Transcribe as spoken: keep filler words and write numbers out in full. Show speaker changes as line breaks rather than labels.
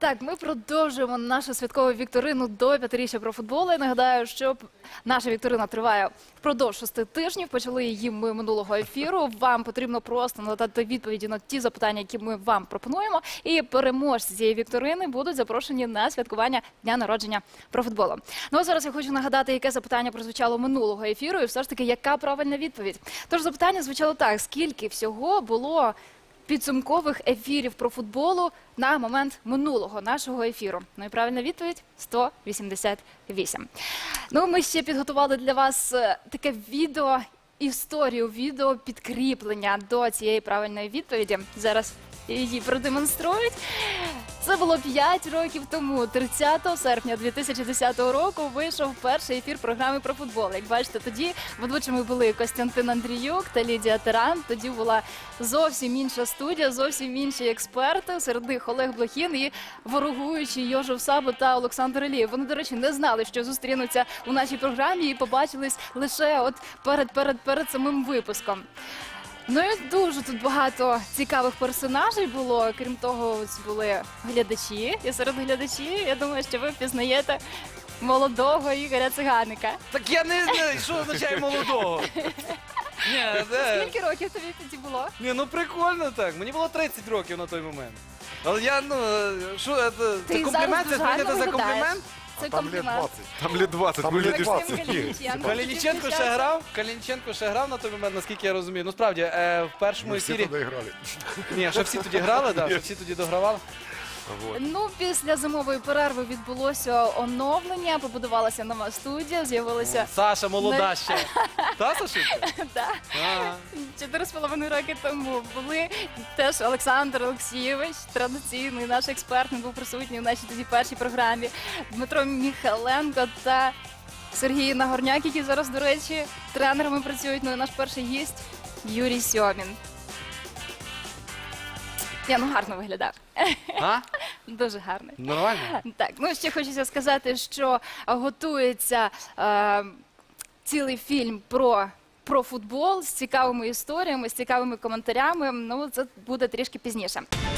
Так, ми продовжуємо нашу святкову вікторину до п'ятиріччя про футбол. Я нагадаю, що наша вікторина триває впродовж шести тижнів. Почали її ми минулого ефіру. Вам потрібно просто надати відповіді на ті запитання, які ми вам пропонуємо. І переможці цієї вікторини будуть запрошені на святкування Дня народження про футболу. Ну а зараз я хочу нагадати, яке запитання прозвучало минулого ефіру і все ж таки, яка правильна відповідь. Тож запитання звучало так: скільки всього було підсумкових ефірів про футболу на момент минулого нашого ефіру? Ну і правильна відповідь – сто вісімдесят вісім. Ну, ми ще підготували для вас таке відео, історію, відео підкріплення до цієї правильної відповіді. Зараз її продемонструють. Це було п'ять років тому, тридцятого серпня дві тисячі десятого року, вийшов перший ефір програми про футбол. Як бачите, тоді ведучими були Костянтин Андріюк та Лідія Таран. Тоді була зовсім інша студія, зовсім інші експерти. Серед них Олег Блохін і ворогуючий Йожев Сабо та Олександр Алієв. Вони, до речі, не знали, що зустрінуться у нашій програмі і побачились лише от перед, перед, перед самим випуском. Ну і дуже тут багато цікавих персонажей було. Крім того, ось були глядачі. І серед глядачів, я думаю, що ви впізнаєте молодого Ігоря Циганика.
Так я не знаю, що означає молодого. Ні, де?
Скільки років тобі тоді було?
Ні, ну прикольно так. Мені було тридцять років на той момент. Але я, ну, що, це, це
Ти
комплімент? Це
зараз
сприйняти за
виглядаєш.
комплімент?
Це
Там лет
комплімент.
двадцять. Там лет двадцять.
Там
Ми
лет
люди
двадцять.
всі.
Калініченко.
Калініченко ще грав, Калініченко ще грав на той момент, наскільки я розумію. Ну, справді, е, в першому
Ми всі
ефірі...
туди грали.
Ні, що всі тоді грали, да, що всі тоді догравали.
Вот.
Ну, після зимової перерви відбулося оновлення, побудувалася нова студія, з'явилися
Саша молода ще. Та, Сашенька?
да,
Ага.
чотири з половиною роки тому. Були теж Олександр Олексійович, традиційний наш експерт, він був присутній в нашій тоді першій програмі, Дмитро Міхаленко та Сергій Нагорняк, які зараз, до речі, тренерами працюють. Ну і наш перший гість Юрій Сьомін. Я, ну, гарно виглядав.
А?
Дуже гарний.
Нормально?
Так, ну ще хочеться сказати, що готується е, цілий фільм про, про футбол з цікавими історіями, з цікавими коментарями. Ну, це буде трішки пізніше.